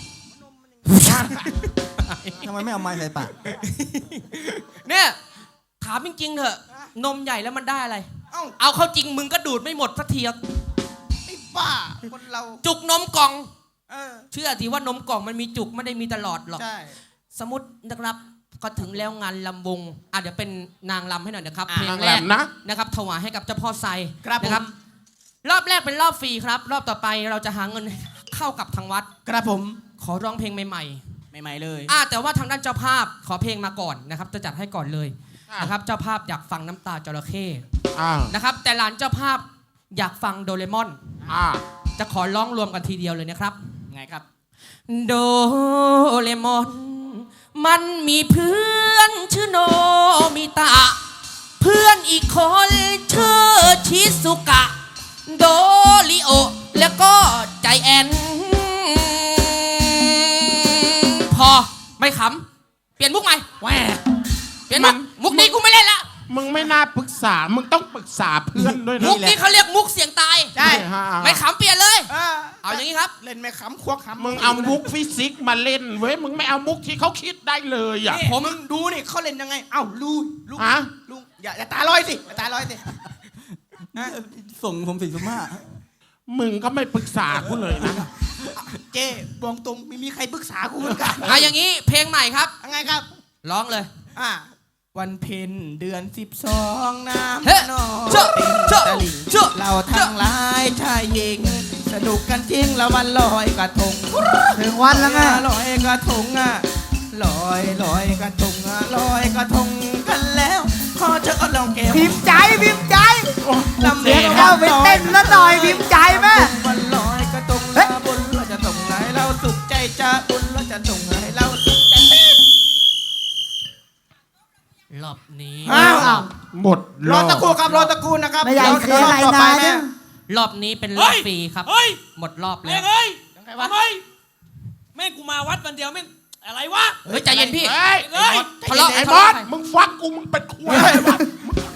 Speaker 3: ทำไมไม่เอาไม้ใส่ปาก
Speaker 6: เนี่ยถามจริงๆเถอะนมใหญ่แล้วมันได้อะไร
Speaker 1: เอ้า
Speaker 6: เอาเข้าจริงมึงก็ดูดไม่หมดสักทีอะ
Speaker 1: ไอ้บ้าคนเรา
Speaker 6: จุกนมกล่อง
Speaker 1: เออ
Speaker 6: เชื่อทีว่านมกล่องมันมีจุกไม่ได้มีตลอดหรอก
Speaker 1: ใช่
Speaker 6: สมมตินะครับก็ถึงแล้วงานลำวงอ่ะเดี๋ยวเป็นนางลำให้หน่อยนะครับ
Speaker 1: อ่ะ
Speaker 6: เพล
Speaker 4: นาง ง
Speaker 6: แรก
Speaker 4: แหลมนะ
Speaker 6: นะครับถวายให้กับเจ้าพ่อไซ
Speaker 1: ครับ
Speaker 6: นะ
Speaker 1: ผม
Speaker 6: รอบแรกเป็นรอบฟรีครับ รอบต่อไปเราจะหาเงินเข้ากับทางวัด
Speaker 1: ครับผม
Speaker 6: ขอร้องเพลงใหม่
Speaker 1: ใหม่ๆเลย
Speaker 6: ๆอ่ะแต่ว่าทางด้านเจ้าภาพขอเพลงมาก่อนนะครับจะจัดให้ก่อนเลย
Speaker 4: อ่ะ
Speaker 6: นะครับเจ้าภาพอยากฟังน้ำตาจระเข้
Speaker 4: อ่า
Speaker 6: นะครับแต่หลานเจ้าภาพอยากฟังโดเรมอน
Speaker 4: อ่า
Speaker 6: จะขอร้องรวมกันทีเดียวเลยนะครับ
Speaker 1: ไงครับ
Speaker 6: โดเรมอนมันมีเพื่อนชื่อโนมิตะ เพื่อนอีกคนชื่อชิซุกะ โดริโอแล้วก็ใจแอนไม่ขำเปลี่ยนมุกใหม่
Speaker 1: แหว
Speaker 6: เปลี่ยนมุกมุกนี้กูไม่เล่นละ
Speaker 4: มึงไม่น่าปรึกษามึงต้องปรึกษาเพื่อนด้วยนะ
Speaker 6: มุกนี้เขาเรียกมุกเสียงตาย
Speaker 1: ใช่
Speaker 4: ฮะ
Speaker 6: ไม่ขำเปลี่ยนเลย
Speaker 1: เออ
Speaker 6: เอาอย่างนี้ครับ
Speaker 1: เล่นไม่ขำควกขำ
Speaker 4: มึงเอามุกฟิสิกส์มาเล่นเว้ยมึงไม่เอามุกที่เขาคิดได้เลยอ่ะ
Speaker 1: นี่ผมมึงดูนี่เขาเล่นยังไงเอ้าลูลู
Speaker 4: ฮะ
Speaker 1: ลูอย่าอย่าตาลอยสิอย่าตาลอยสินะ
Speaker 3: ส่งผมสิสุมา
Speaker 4: มึงก็ไม่ปรึกษากูเลยนะ
Speaker 1: เจ๊บอกตรงไม่มีใครปรึกษากูเหมือนกัน
Speaker 6: เอาอย่างนี้เพลงใหม่ครับ
Speaker 1: ยังไงครับ
Speaker 6: ร้องเลย
Speaker 1: อ่าวันเพ็ญเดือนสิบสองน้ำ
Speaker 6: เฮ้
Speaker 1: นอง
Speaker 6: เจ้า
Speaker 1: เป็น
Speaker 6: เจ้า
Speaker 1: ตะลิ่ง
Speaker 6: เจ้า
Speaker 1: เราทั้งหลายชายหญิง สนุกกันจริงแล้ววันลอยกระทง
Speaker 3: ถึงวันแล้วไง
Speaker 1: ลอยกระทงอ่ะลอยลอยกระทงอ่ะลอยกระทงกันแล้วขอเชิญลองแก้ว
Speaker 7: พิมพ์ใจพิมพ์ใจ
Speaker 1: ลำ
Speaker 7: เดี๋ยวเข้าไปเต้นซะหน่อยพิมพ์ใจแม่
Speaker 1: วันลอยกระทงแล้วบุญเราจะส่งให้เราสุขใจจะบุญเราจะส่งให้เราสุขใจ
Speaker 6: รอบนี้
Speaker 1: อ้าว
Speaker 4: หมด
Speaker 1: รอตะครู่ครับรอตะครู่นะครับ
Speaker 7: ไม่ใหญ่
Speaker 1: เดี๋ยว
Speaker 7: เสียอะไร
Speaker 1: ต่อไป
Speaker 7: นาน
Speaker 1: แม่
Speaker 7: เนี่ย
Speaker 6: รอบนี้เป็นร
Speaker 5: เฮ้
Speaker 6: อบ
Speaker 5: ย
Speaker 6: ฟรีครับ
Speaker 5: เฮ้ย
Speaker 6: หมดรอบ
Speaker 5: แม่
Speaker 6: แล้ว
Speaker 5: งเอ้ย
Speaker 1: ยังไงวะ
Speaker 5: ทำไมแม่งกูมาวัดวันเดียวแม่งอะไรวะ
Speaker 6: เฮ้ยใจเย็นพี่
Speaker 4: เฮ้ย
Speaker 5: เฮ้ย
Speaker 6: ทะเลาะ
Speaker 4: ไอ้
Speaker 6: ทะ
Speaker 4: บอ
Speaker 6: เลาะ
Speaker 4: ส
Speaker 6: ใคร
Speaker 4: มึงฟังกูมึงเป็นคุยอะไรวะ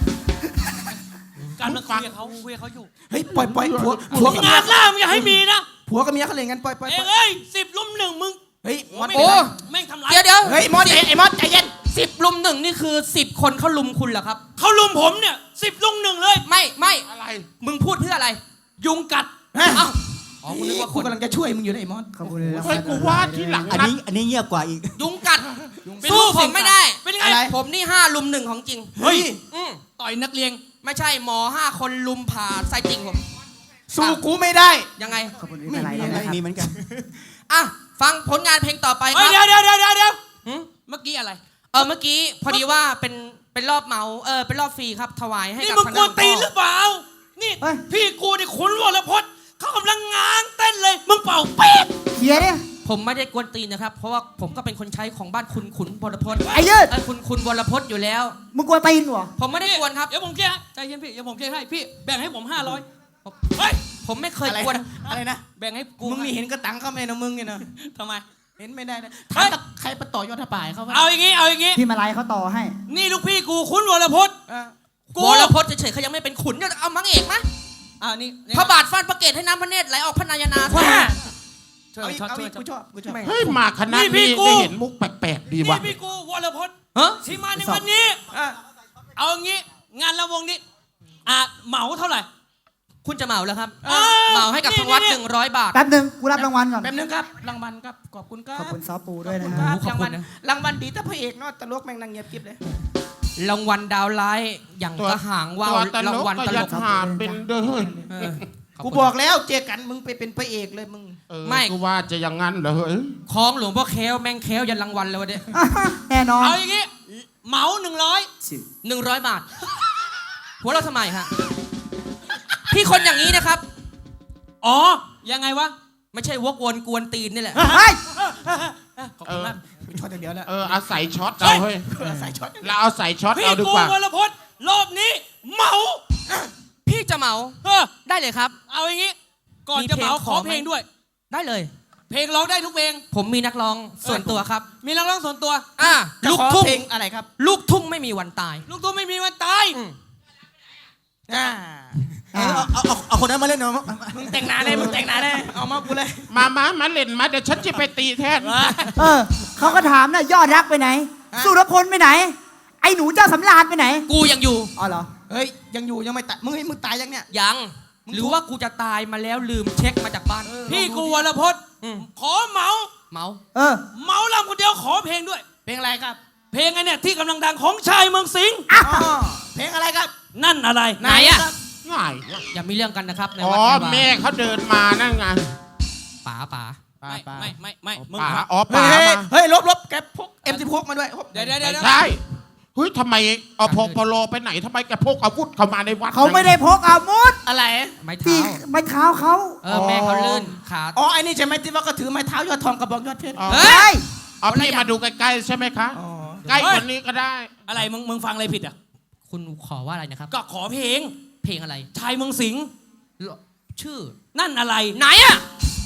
Speaker 5: การมาคุยกับเขาคุยกับเขาอยู่
Speaker 1: เฮ้ยปล่อยปล่อยผัวผัวกับ
Speaker 5: งานล่ามึงอย่าให้มีนะ
Speaker 1: ผัวกับเมียเขาเล่นกันปล่อยปล่อย
Speaker 5: เอ้
Speaker 1: ปล่อย
Speaker 5: เอ้ยสิบลุมหนึ่งมึง
Speaker 1: เฮ้ยมอส
Speaker 5: โอ้
Speaker 1: เป็นไร
Speaker 5: แม่งทำร้าย
Speaker 6: เดี๋ยวเดี๋ยว
Speaker 1: เฮ้ยมอสไอ้มอสใจเย็น
Speaker 6: สิบลุมหนึ่งนี่คือสิบคนเขาลุมคุณเหรอครับ
Speaker 5: เขาลุมผมเนี่ยสิบลุมหนึ่งเลย
Speaker 6: ไม่ไม่
Speaker 4: อะไร
Speaker 6: มึงพูดเพื่ออะไร ยุงกัด
Speaker 1: ฮะ
Speaker 6: เอ้าอ๋อกูนึกว่าค
Speaker 1: กู
Speaker 6: น
Speaker 1: กำลังจะช่วยมึงอยู่นะไอ้มอส
Speaker 7: ขอบคุณเลย
Speaker 4: เฮ้ยกูว่าที่หลัง
Speaker 3: อัน
Speaker 4: นัด
Speaker 3: นี้อันนี้เงียบกว่าอีก
Speaker 6: ยุงกัด
Speaker 5: เป็น
Speaker 6: สู้
Speaker 5: ลูก
Speaker 6: ผมไม่ได้
Speaker 5: เป็นยังไง
Speaker 1: อะไร
Speaker 6: ผมนี่ห้าลุมหนึ่งของจริง
Speaker 5: เฮ้ย
Speaker 6: อืม
Speaker 5: ต่อยนักเรียน
Speaker 6: ไม่ใช่หมอห้าคนลุมผ่าไส้ติ่งผม
Speaker 1: สู้กูไม่ได้
Speaker 6: ยังไง
Speaker 7: ขอบคุณไม่เป็นไรนะครับ
Speaker 3: มีเหมือนกัน
Speaker 6: อ่ะฟังผลงานเพลงต่อไปค
Speaker 5: เฮ้ย
Speaker 6: รับ
Speaker 5: เดี๋ยวเดี๋ยวเดี๋ยวเดี๋ยว
Speaker 6: หืม
Speaker 5: เมื่อกี้อะไร
Speaker 6: เออเมื่อกี้พอดีว่าเป็นเป็นรอบเหมาเออเป็นรอบฟรีครับถวายให้
Speaker 5: นี่
Speaker 6: กับ
Speaker 5: มึง
Speaker 6: คณะ
Speaker 5: กวนตีน
Speaker 6: ห
Speaker 5: ห
Speaker 6: ลว
Speaker 5: รื
Speaker 6: ง
Speaker 5: อ
Speaker 6: พ่อ
Speaker 5: เปล่า นี่
Speaker 7: เฮ้ย
Speaker 5: พี่กูนี่ขุนวรพจน์เขากำลังง้างเต้นเลย มึงเป่าปี๊ด
Speaker 7: เขียเนี่ย
Speaker 6: ผมไม่ได้กวนตีนนะครับ เพราะว่าผมก็เป็นคนใช้ของบ้านคุณขุนวรพจน์
Speaker 7: ไอ้ยืด
Speaker 6: เออคุณคุณวรพจน์อยู่แล้ว
Speaker 7: มึงกลัวตีนเหรอ
Speaker 6: ผมไม่ได้กวนครับ
Speaker 5: เดี๋ยวผมเคลียร์ให้ใจเย็นพี่ เดี๋ยวผมเคลียร์ให้พี่ แบ่งให้ผมห้าร้อยเฮ้ย
Speaker 6: ผมไม่เคย
Speaker 1: อะไร
Speaker 6: กวน
Speaker 1: นะอะไรนะ
Speaker 5: แบ่งให้กู
Speaker 1: มึงนี่เห็นกระตังเขาไหมนะมึงเนี่ยนะ
Speaker 5: ทำไม
Speaker 1: เห็นไม่ได้นะ
Speaker 5: เฮ้
Speaker 1: ถาม
Speaker 5: ย
Speaker 1: ตะใครไปต่อยอดทป่ายเขาวะ
Speaker 5: เอาอย่างงี้ เอาอย่างงี้
Speaker 7: พี่มาไลยเขาต่อให้
Speaker 5: นี่ลูกพี่กูขุนวรพจน์
Speaker 1: อ่ะ
Speaker 5: กู
Speaker 6: วรพจน์เฉยๆเขายังไม่เป็นขุนเนี่ยเอามังเอกมะ
Speaker 5: อ่านี่นี่
Speaker 6: พระบาทฟาดพระเกศให้น้ำพระเนตรไหลออกพระนายนา
Speaker 5: ว่าช่ว
Speaker 1: เอา
Speaker 5: ย
Speaker 1: อีก
Speaker 5: ช็อต
Speaker 1: เอา
Speaker 5: ช่ว
Speaker 1: อี
Speaker 5: ย
Speaker 1: กกูชอบกูชอบ
Speaker 4: เฮ้ยมาคณะ
Speaker 5: นี่พี่
Speaker 4: นี้
Speaker 5: กู
Speaker 4: ได้เห็นมุกแปลกๆดี
Speaker 5: นี่
Speaker 4: ว่ะ
Speaker 5: พี่กูวรพจน์
Speaker 6: ฮะ
Speaker 5: ที่มาในวันนี้
Speaker 1: อ่ะ
Speaker 5: เอาอย่างงี้ งานละวงนี้ อ่ะเหมาเท่าไหร่
Speaker 6: คุณจะเหมาแล้วครับ
Speaker 5: อ้าว
Speaker 6: เหมาให้กับทางวัด
Speaker 5: นี่
Speaker 6: หนึ่งร้อยบาท
Speaker 7: แป๊บหนึ่งกูรับรางวัลก่อน
Speaker 1: แป๊บนึงครับรางวัลครับขอบคุณครับ
Speaker 7: ขอบคุณซอปูด้วยนะ
Speaker 1: ค
Speaker 7: ฮะ
Speaker 1: รับ
Speaker 6: ขอบ
Speaker 1: ราง
Speaker 6: คุ
Speaker 1: วัล
Speaker 6: ณนะ
Speaker 1: รางวัลดีแต่พระเอกเนาะตลกแม่งนั่งเงียบกิ๊บเลย
Speaker 6: รางวัลดาวร้ายอย่างกระหางว่าว
Speaker 4: ตัวตล
Speaker 6: ราง
Speaker 4: ก
Speaker 6: วัล
Speaker 4: ก็
Speaker 6: ต
Speaker 4: อ
Speaker 6: ล
Speaker 4: ย่าก ถามเป็นเด้อ
Speaker 6: เออขอบ
Speaker 1: กู
Speaker 6: คุณ
Speaker 1: บอกแล้วเจอกันมึงไปเป็นพระเอกเลยมึง
Speaker 4: เออ
Speaker 6: ไม่
Speaker 4: กูว่าจะอย่างงั้นเหรอเฮ้ย
Speaker 6: คล้องหลวงพ่อแค้วแม่งแค้วยันรางวัลเลยวะเนี่ย
Speaker 7: แน่นอน
Speaker 5: เอาอย่างงี้ เหมาหนึ่งร้อย
Speaker 6: หนึ่งร้อยบาท หัวเราะทำไมฮะพี่คนอย่างนี้นะครับ
Speaker 5: อ๋อ ยังไงวะ
Speaker 6: ไม่ใช่วกวนกวนตีนนี่แหละ
Speaker 7: เฮ้ย
Speaker 5: ขอบคุณมาก
Speaker 1: ช็อตอย่างเดียวแล้ว
Speaker 4: เอออาศัยช็อตเอาเฮ้ย
Speaker 1: ใส่ช็อต
Speaker 4: เราเอาใส่ช็อต
Speaker 5: พี่
Speaker 4: เอาดี
Speaker 5: กู
Speaker 4: กว่า
Speaker 5: วรพจน์รอบนี้ เหมา
Speaker 6: พี่จะเหมา
Speaker 5: เออ
Speaker 6: ได้เลยครับ
Speaker 5: เอาอย่างงี้ ก่อน
Speaker 6: มี
Speaker 5: จะเหมา
Speaker 6: เพลง
Speaker 5: ขอ
Speaker 6: ขอไหม
Speaker 5: เพลงด้วย
Speaker 6: ได้เลย
Speaker 5: เพลงร้องได้ทุกเพลง
Speaker 6: ผมมีนักร้องส่วนตัวครับ
Speaker 5: มีนักร้องส่วนตัว
Speaker 6: อ่า
Speaker 1: จะ
Speaker 6: ลูก
Speaker 1: ขอ
Speaker 6: ทุ่ง
Speaker 1: เพลงอะไรครับ
Speaker 6: ลูกทุ่งไม่มีวันตาย
Speaker 5: ลูกทุ่งไม่มีวันตาย
Speaker 6: อืม
Speaker 1: อ่า
Speaker 3: เอาเอาเอาเอาคนนั้นมาเล่นเนาะ
Speaker 1: มึงแต่งหน้าเลยมึงแต่งหน้าเลยเอามากูเลย
Speaker 4: มามามาเล่นมาเดี๋ยวฉันจะไปตีแทน
Speaker 7: เออ เขาก็ถามนะยอดรักไปไหน สุรพลไปไหน ไอ้หนูเจ้าสำราญไปไหน
Speaker 6: กูยังอยู่
Speaker 7: อ๋อเหรอ
Speaker 1: เฮ้ยยังอยู่ยังไม่ตายมึงมึงตายยังเนี่ย
Speaker 6: ยัง หรือว่ากูจะตายมาแล้วลืมเช็คมาจากบ้าน
Speaker 5: พี่กูวรพจน์
Speaker 6: อืม
Speaker 5: ขอเหมา
Speaker 6: เมา
Speaker 7: เออ
Speaker 5: เหมาลำคนเดียวขอเพลงด้วย
Speaker 1: เพลงอะไรครับ
Speaker 5: เพลงไอ้เนี่ยที่กำลังดังของชายเมืองสิงห์
Speaker 1: อ๋อเพลงอะไรครับ
Speaker 5: นั่นอะไร
Speaker 6: ไหนอะ
Speaker 1: ครับ
Speaker 4: ง่าย
Speaker 6: อย่ามีเรื่องกันนะครับใน
Speaker 4: อ๋อ
Speaker 6: วัดนี้ว่า
Speaker 4: แม่เขาเดินมานั่นไง
Speaker 6: ป๋าป๋า
Speaker 5: ไม่ไม่ไม่ไม่มึง
Speaker 4: ป่า
Speaker 5: ครับ
Speaker 4: อ๋อ
Speaker 1: เฮ้
Speaker 4: ป่าย
Speaker 1: เฮ้ย
Speaker 4: มา
Speaker 1: เฮ้ยลบลบแกพกเอ็มสิบหกมาด้วย
Speaker 5: เดี๋ยวเดี๋ยวเดี๋ยว
Speaker 4: ใช่เฮ้ยทำไมเอาพกปโลไปไหนทำไมแกพกอาวุธเข้ามาในวัด
Speaker 7: เขาไม่ได้พกอาวุธ
Speaker 1: อะไร
Speaker 6: ไม้
Speaker 7: ตี
Speaker 6: เท้า
Speaker 7: ไม้เท้าเขา
Speaker 6: เออแม่เขาลื่นขา
Speaker 1: อ๋อไอ้นี่ใช่ไหมที่ว่าก็ถือไม้เท้ายอดทองกระบอกยอดเพชร
Speaker 4: อ๋อ
Speaker 6: เฮ้
Speaker 7: เฮ้
Speaker 6: ย
Speaker 7: ย
Speaker 4: เอาพี่มาดูใกล้ๆใช่ไหมคะ
Speaker 1: อ๋อ
Speaker 4: ใกล้กว่านี้ก็ได้
Speaker 5: อะไรมึงมึงฟังอะไรผิดอ่ะ
Speaker 6: คุณขอว่าอะไรนะครับ
Speaker 5: ก็ขอเพลง
Speaker 6: เพลงอะไร
Speaker 5: ชายเมืองสิงห์
Speaker 6: ชื่อ
Speaker 5: นั่นอะไร
Speaker 6: ไหนอะ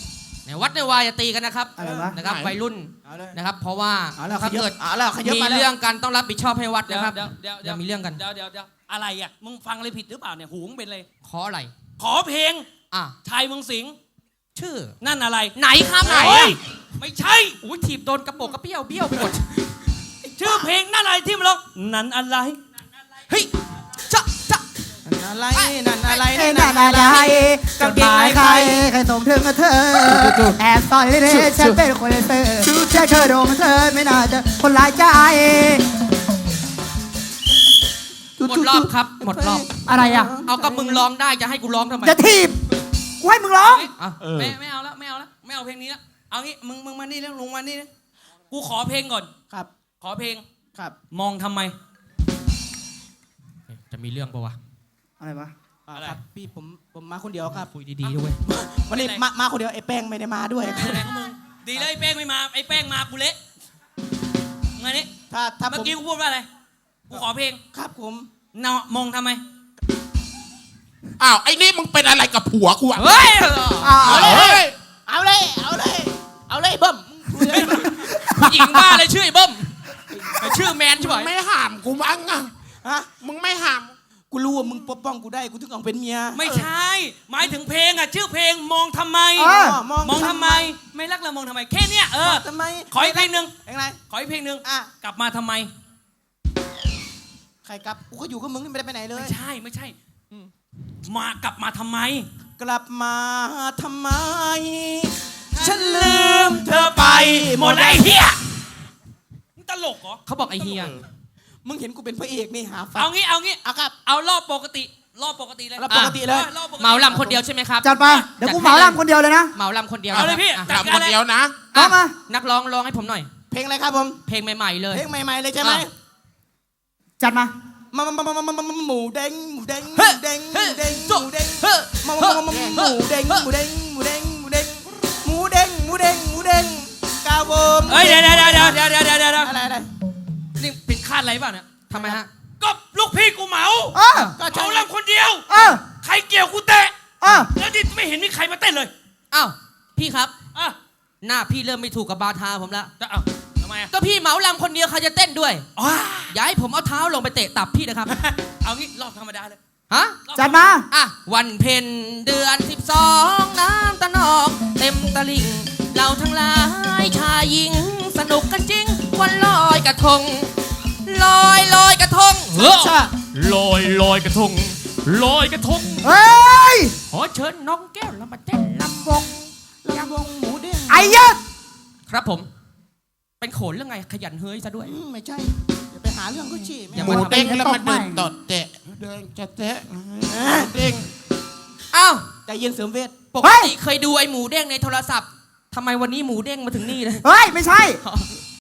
Speaker 6: ในวัดในวายอย่าตีกันนะครับ
Speaker 7: อะไรวะ
Speaker 6: นะครับ
Speaker 4: ไหน
Speaker 6: วัยรุ่น
Speaker 1: เอาเลย
Speaker 6: นะครับ เพราะว่า
Speaker 1: เอาแล้ว
Speaker 6: ถ้าเกิด
Speaker 1: เอาแล้วขยับ
Speaker 6: มี
Speaker 1: มาแล้ว
Speaker 6: เรื่องกันต้องรับผิดชอบให้วัด
Speaker 5: เดี๋ยว
Speaker 6: นะครับ
Speaker 5: เดี๋ยวเดี๋ยว
Speaker 6: อย่ามีเรื่องกัน
Speaker 5: เดี๋ยวเดี๋ยวเดี๋ยวอะไรอ่ะมึงฟังอะไรผิดหรือเปล่าเนี่ยหูมึงเป็นเลย
Speaker 6: ขออะไร
Speaker 5: ขอเพลง
Speaker 6: อ่ะ
Speaker 5: ชายเมืองสิงห์
Speaker 6: ชื่อ
Speaker 5: นั่นอะไร
Speaker 6: ไหนครับไหน
Speaker 5: โอ้ยไม่ใช่
Speaker 6: อุ้ยถีบโดนกระโปรงกระเปี้ยวเบี้ยวไปหมด
Speaker 5: ชื่อเพลงนั่นอะไรที่มันร้องนั่นอะไร
Speaker 6: เฮ้ยจะจะ
Speaker 1: นั่นอะไรนั่นอะไร
Speaker 7: ไอ้นั่นอะไรกางเกงในใครใครส่งถึงกับเธอแอบต่อยเธอฉันเป็นคนเลเซอร์แค่เธอโดนเธอไม่น่าจะคนร้ายใจ
Speaker 6: หมดรอบครับ หมดรอบ
Speaker 7: อะไรอ่ะ
Speaker 6: เอากับมึงร้องได้จะให้กูร้องทำไม
Speaker 7: จะถีบกูให้มึงร้อง
Speaker 6: อ่ะ
Speaker 4: เออ
Speaker 5: ไม่ไม่เอาแล้วไม่เอาแล้วไม่เอาเพลงนี้แล้วเอางี้มึงมึงมานี่แล้วลุงมานี่นะกูขอเพลงก่อน
Speaker 1: ครับ
Speaker 5: ขอเพลง
Speaker 1: ครับ
Speaker 5: มองทำไม
Speaker 6: จะมีเรื่องปะวะ
Speaker 7: อะไรวะ
Speaker 1: อ่าครับพี่ผมผมมาคนเดียวครับ
Speaker 6: คุยดีๆด้วย
Speaker 1: วันนี้มามาคนเดียวไอ้แป้งไม่ได้มาด้วย
Speaker 5: อะไรของมึงดีเลยไอ้แป้งไม่มาไอ้แป้งมากูเละไงนี่
Speaker 1: ถ้าถ้าผ
Speaker 5: เมื่อ
Speaker 1: ม
Speaker 5: กี้กูพูดว่าอะไรกูขอเพลง
Speaker 1: ครับผม
Speaker 5: เนามองทำไม
Speaker 4: อ้าวไอ้นี่มึงเป็นอะไรกับผัวกูอ่ะ
Speaker 6: เฮ้ย
Speaker 7: อ้าว
Speaker 4: เอาเลย
Speaker 1: เอาเลยเอาเลยเอาเลยเบิ้ม
Speaker 6: ผู้หญิงบ้าเลยชื่อไอ้เบิ้มไอ้ชื่อแมนใช่ไหม
Speaker 4: มึงไม่ห้ามกูมั้งอ่ะ
Speaker 1: ฮะ
Speaker 4: มึงไม่ห้าม
Speaker 1: กูรู้ว่ามึงปกป้องกูได้กูถึงเอาเป็นเมีย
Speaker 5: ไม่ใช่ หมายถึงเพลงอ่ะชื่อเพลงมองทำไม
Speaker 7: เออ
Speaker 1: มอง
Speaker 5: มองทำไม ไม่รักเรามองทำไมแค่เนี้ยเออ
Speaker 1: ทำไม
Speaker 5: ขออีกเพลงหนึ่ง
Speaker 1: เพลงอะไร
Speaker 5: ขออีกเพลงหนึ่ง
Speaker 1: อ่ะ
Speaker 5: กลับมาทำไม
Speaker 1: ใครกลับกูก็อยู่กับมึงไม่ได้ไปไหนเลย
Speaker 5: ไม่ใช่ไม่ใช่มากลับมาทำไม
Speaker 1: กลับมาทำไม
Speaker 5: ฉันลืมเธอไปหมดเลยไอ้เฮียมึงตลกเหรอ
Speaker 6: เขาบอกไอ้เฮีย
Speaker 1: มึงเห็นกูเป็นพระเอกนี่หาฟั
Speaker 5: เอางี้เอางี้
Speaker 1: เอาครับ
Speaker 5: เอารอบปกติ รอบปกติเลย
Speaker 1: รอบปกติเลย
Speaker 5: ออรอบปกติ
Speaker 6: เหมาลำคนเดียวใช่ไหมครับ
Speaker 7: จัดไปเดี๋ยวกูเหมาลำคนเดียวเลยนะ
Speaker 6: เหมาลำคนเดียว
Speaker 5: เอาเลยพี่
Speaker 6: อ่ะ
Speaker 5: จัด
Speaker 4: ทำ
Speaker 5: กา
Speaker 4: ค
Speaker 5: ร
Speaker 4: น
Speaker 5: เลย
Speaker 4: เดียวนะ
Speaker 7: ร้องมา
Speaker 6: นักร้องร้องให้ผมหน่อย
Speaker 1: เพลงอะไรครับผม
Speaker 6: เพลงใหม่ๆเลย
Speaker 1: เพลงใหม่ๆเลยใช่ไหม
Speaker 6: อ่ะ
Speaker 7: จัดมา
Speaker 1: มามามามามามาหมูเด้งหมูเด้งห
Speaker 6: เฮ้
Speaker 1: มูเด้งห
Speaker 6: เฮ้
Speaker 1: มูเด้งห
Speaker 6: โจ๊ะ
Speaker 1: มูเด้ง
Speaker 6: เฮ้
Speaker 1: มามามามาหมูเด้งหมูเด้งหมูเด้งหมูเด้งหมูเด้งหมูเด้งหมูเด้งกาวเวิร์ม
Speaker 5: เอ้ยเดี๋ยวเดี๋ยวเดี๋ยวเดี๋ยวเดี๋ยวเดี๋ยวเดี๋ยว
Speaker 1: อะไรอะไร
Speaker 5: นี่ผิดคาดอะไรป่ะเนี่ย
Speaker 6: ทำไมฮะ
Speaker 5: ก็ลูกพี่กูเหมา
Speaker 7: เออ
Speaker 1: ก็ใช่
Speaker 5: เขาลำคนเดียว
Speaker 7: เออ
Speaker 5: ใครเกี่ยวกูเตะ
Speaker 7: เออ
Speaker 5: แล้วนี่ไม่เห็นมีใครมาเต้นเลย
Speaker 6: อ้าวพี่ครับ
Speaker 5: อ่ะ
Speaker 6: หน้าพี่เริ่มไม่ถูกกับบาทาผมแล้ว
Speaker 5: จะเอาทำไมอ่ะ
Speaker 6: ก็พี่เหมาลำคนเดียวใครจะเต้นด้วย
Speaker 5: อ๋อ
Speaker 6: อย่าให้ผมเอาเท้าลงไปเตะตับพี่นะครับ
Speaker 5: เอางี้รอบธรรมดาเลย
Speaker 6: ฮะ
Speaker 5: รอบ
Speaker 7: จัดมา
Speaker 6: อ่ะวันเพ็ญเดือนสิบสองน้ำตะนองเต็มตลิ่ง เราทั้งหลายชายหญิง สนุกกันจริง วันลอยกระทง ลอยลอยกระทงเฮ้อ
Speaker 1: ใช่
Speaker 6: ลอยลอยกระทง ลอยกระทง
Speaker 7: เฮ้ย
Speaker 6: ขอเชิญน้องแก้วเรามาเต้นลำวง
Speaker 1: ลำวงหมูเด้ง
Speaker 7: ไอ้เหี้ยอะ
Speaker 6: ครับผม เป็นโขนเรื่องไงขยันเฮ้ยซะด้วย
Speaker 1: อืมไม่ใช่อย่าไปหาเรื่องเขาชี้ไม่
Speaker 6: อย่า
Speaker 4: ห
Speaker 1: เอา
Speaker 4: มูเด้งแล้วมันเดินตดเตะเดินจะเตะเด้ง
Speaker 6: อ้าว
Speaker 1: ใจเย็นเสริมเวท
Speaker 6: ปกติเคยดูไอ้หมูเด้งในโทรศัพท์ทำไมวันนี้หมูเด้งมาถึงนี่เลย
Speaker 7: เฮ้ย ไม่ใช่